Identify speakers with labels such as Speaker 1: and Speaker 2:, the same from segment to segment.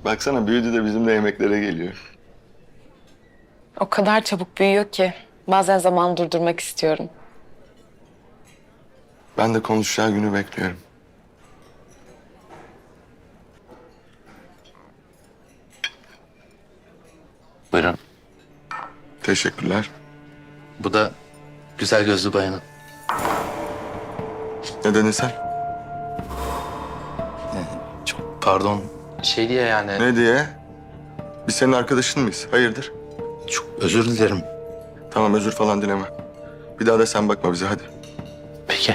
Speaker 1: Baksana büyüdü de bizimle yemeklere geliyor.
Speaker 2: O kadar çabuk büyüyor ki bazen zaman durdurmak istiyorum.
Speaker 1: Ben de konuşacağı günü bekliyorum.
Speaker 3: Buyurun.
Speaker 1: Teşekkürler.
Speaker 3: Bu da güzel gözlü bayanın.
Speaker 1: Ne dedin sen?
Speaker 3: Çok pardon. Şey diye yani
Speaker 1: Ne diye? Biz senin arkadaşın mıyız? Hayırdır?
Speaker 3: çok özür dilerim.
Speaker 1: Tamam özür falan dileme. Bir daha da sen bakma bize hadi.
Speaker 3: Peki.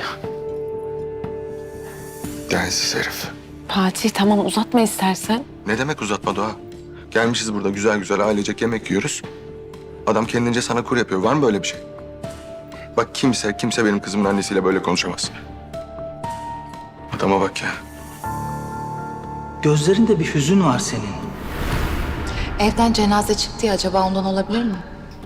Speaker 1: Densiz herif.
Speaker 2: Fatih tamam uzatma istersen.
Speaker 1: Ne demek uzatma Doğa? Gelmişiz burada güzel güzel ailecek yemek yiyoruz. Adam kendince sana kur yapıyor. Var mı böyle bir şey? Bak kimse benim kızımın annesiyle böyle konuşamaz. Adama bak ya.
Speaker 4: Gözlerinde bir hüzün var senin.
Speaker 5: Evden cenaze çıktı ya, acaba ondan olabilir mi?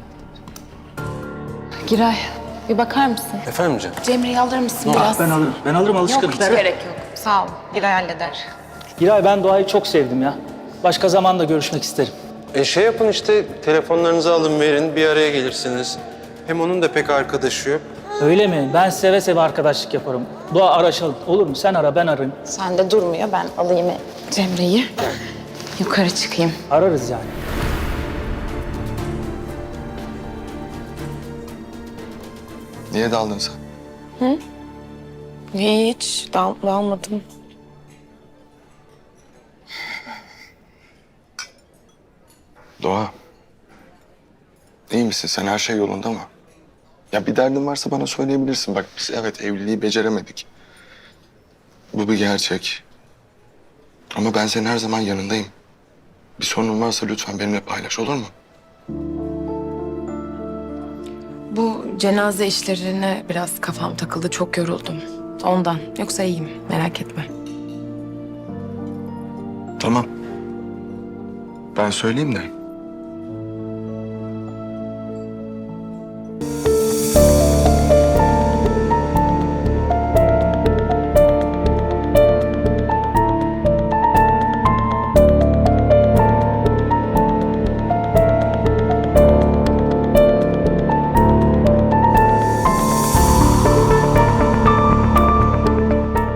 Speaker 2: Giray bir bakar mısın?
Speaker 3: Efendim canım?
Speaker 5: Cemre'yi alır mısın biraz?
Speaker 4: Ben alırım alışkınım.
Speaker 5: Yok, hiç gerek yok. Sağ ol. Giray halleder.
Speaker 4: Giray, ben Doğa'yı çok sevdim ya. Başka zaman da görüşmek isterim.
Speaker 6: Şey yapın işte, telefonlarınızı alın verin, bir araya gelirsiniz. Hem onun da pek arkadaşı yok.
Speaker 4: Öyle mi? Ben seve seve arkadaşlık yaparım. Doğa araşalım. Olur mu? Sen ara, ben ararım.
Speaker 2: Sen de durmuyor, ben alayım Cemre'yi. Yukarı çıkayım.
Speaker 4: Ararız yani.
Speaker 1: Niye daldın sen?
Speaker 2: Hiç dalmadım.
Speaker 1: Doğa. İyi misin? Sen her şey yolunda mı? Ya bir derdin varsa bana söyleyebilirsin. Bak biz evet evliliği beceremedik. Bu bir gerçek. Ama ben senin her zaman yanındayım. Bir sorunun varsa lütfen benimle paylaş olur mu?
Speaker 2: Bu cenaze işlerine biraz kafam takıldı, çok yoruldum. Ondan. Yoksa iyiyim, merak etme.
Speaker 1: Tamam. Ben söyleyeyim de